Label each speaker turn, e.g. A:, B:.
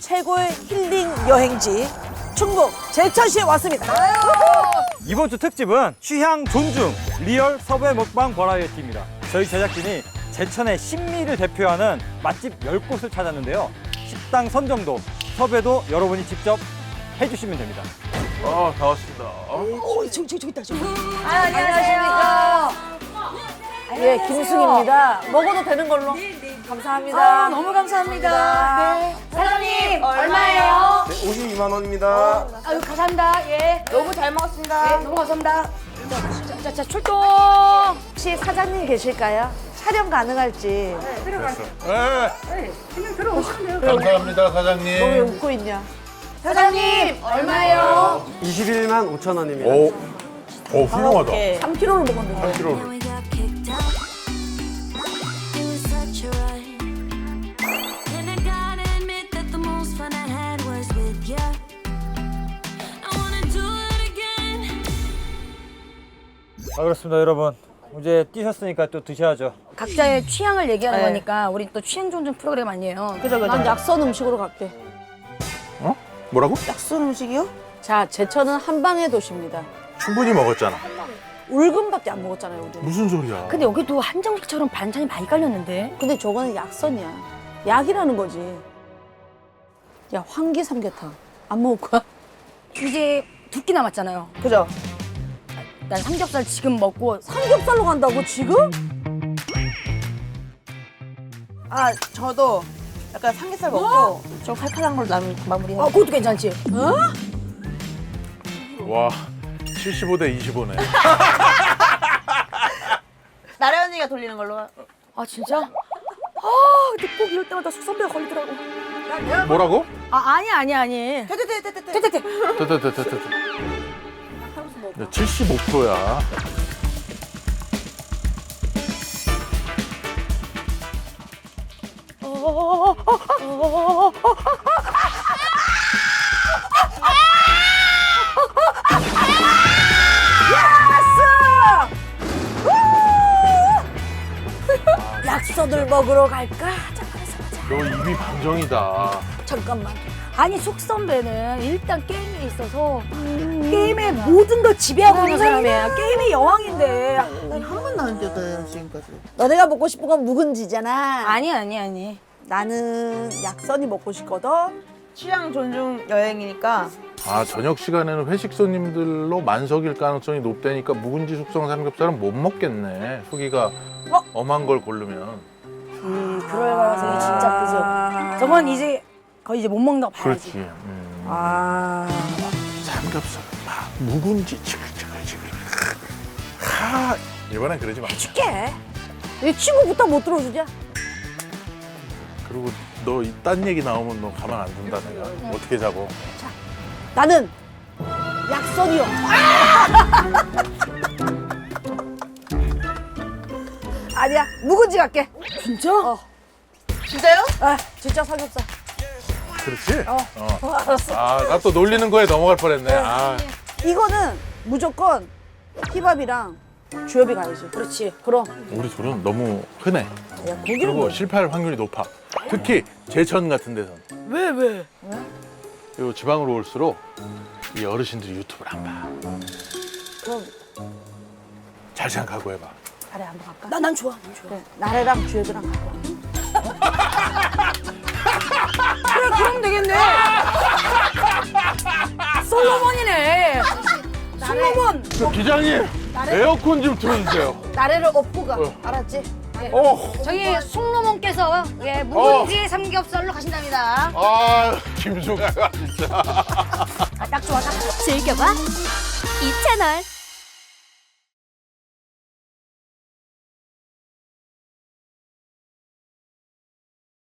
A: 최고의 힐링 여행지 충북 제천시에 왔습니다.
B: 이번 주 특집은 취향 존중 리얼 섭외 먹방 버라이어티입니다. 저희 제작진이 제천의 신미를 대표하는 맛집 10곳을 찾았는데요. 식당 선정도, 섭외도 여러분이 직접 해주시면 됩니다.
C: 다 왔습니다.
A: 저기 있다, 저기.
D: 안녕하십니까.
A: 예, 김승입니다. 먹어도 되는 걸로. 감사합니다.
D: 너무 감사합니다. 네. 사장님, 얼마예요?
C: 52만 원입니다.
D: 아유, 감사합니다. 예.
E: 너무 잘 먹었습니다.
D: 네, 너무 감사합니다. 자, 출동!
A: 혹시 사장님 계실까요? 촬영 가능할지.
C: 네. 감사합니다, 사장님.
A: 너 왜 웃고 있냐?
D: 사장님, 얼마예요?
F: 21만 5천 원입니다.
C: 오, 훌륭하다.
A: 3kg를 먹었는데.
C: 3kg.
G: we got kicked out. It was such a ride. And I gotta admit that the most fun I had was with you. I wanna do it again.
B: 그렇습니다, 여러분. 이제 뛰셨으니까 또 드셔야죠.
D: 각자의 취향을 얘기하는
A: 네.
D: 거니까 우리 또 취향 존중 프로그램 아니에요.
A: 난 약선 음식으로 갈게.
C: 어? 뭐라고?
A: 약선 음식이요? 자, 제천은 한방의 도시입니다.
C: 충분히 먹었잖아.
A: 울금밖에 안 먹었잖아요, 우리.
C: 무슨 소리야?
D: 근데 여기도 한정식처럼 반찬이 많이 깔렸는데.
A: 근데 저거는 약선이야. 약이라는 거지. 야, 황기 삼계탕. 안 먹을 거야?
D: 이제 2끼 남았잖아요.
A: 그죠?
D: 난 삼겹살 지금 먹고
A: 삼겹살로 간다고, 지금?
E: 아, 저도 약간 삼겹살 먹고 좀 칼칼한 걸로 마무리해.
D: 그것도 괜찮지?
C: 와, 75대 25네.
E: 나래 언니가 돌리는 걸로.
D: 아 진짜? 근데 꼭 이럴 때마다 숙선배가 걸리더라고.
C: 뭐라고?
D: 아니.
E: 됐.
C: 네, 75%야.
A: 약선을 먹으러 갈까?
C: 너 입이 방정이다.
A: 잠깐만.
D: 아니 숙선배는 일단 게임에 있어서 게임의 모든 걸 지배하고 있는 사람이야. 게임의 여왕인데.
E: 한 번도 안 줬어요, 지금까지.
A: 너네가 먹고 싶은 건 묵은지잖아.
D: 아니.
A: 나는 약선이 먹고 싶거든.
E: 취향 존중 여행이니까
C: 아, 저녁 시간에는 회식 손님들로 만석일 가능성이 높다니까 묵은지 숙성 삼겹살은 못 먹겠네. 후기가 엄한 걸 고르면.
D: 그럴 가능성이 진짜 크죠. 저건 이제 거의 이제 못 먹는다고 봐야지.
C: 그렇지. 삼겹살, 묵은지 지글지글. 이번엔 그러지 마.
A: 줄게. 이 친구부터 못 들어주냐?
C: 그리고 너 딴 얘기 나오면 너 가만 안 둔다 내가. 어떻게 잡어?
A: 나는 약선이요. 아니야, 묵은지 갈게.
D: 진짜?
E: 진짜요?
A: 아, 진짜 삼겹살.
C: 그렇지?
A: 알았어.
C: 아, 나 또 놀리는 거에 넘어갈 뻔했네. 아,
A: 이거는 무조건 힙합이랑 주엽이 가야지. 그렇지. 그럼.
C: 우리 둘은 너무 흔해.
A: 야, 고기를
C: 그리고
A: 먹어.
C: 실패할 확률이 높아. 특히 제천 같은 데선.
A: 왜?
C: 요 지방으로 올수록 이 어르신들이 유튜브를 안 봐.
A: 그럼
C: 잘 생각하고 해봐.
A: 나래 한번 갈까?
D: 난 좋아.
A: 그래, 나래랑 주엽이랑 갈까?
D: 그래 그럼 되겠네. 솔로몬이네. 솔로몬.
C: 저 기장님, 에어컨 좀 틀어주세요.
A: 나래를 업고 가. 알았지?
D: 저기 송로몬께서 묵은지 삼겹살로 가신답니다.
C: 아, 김수가가 진짜.
D: 딱 좋아.
G: 즐겨봐 이 채널.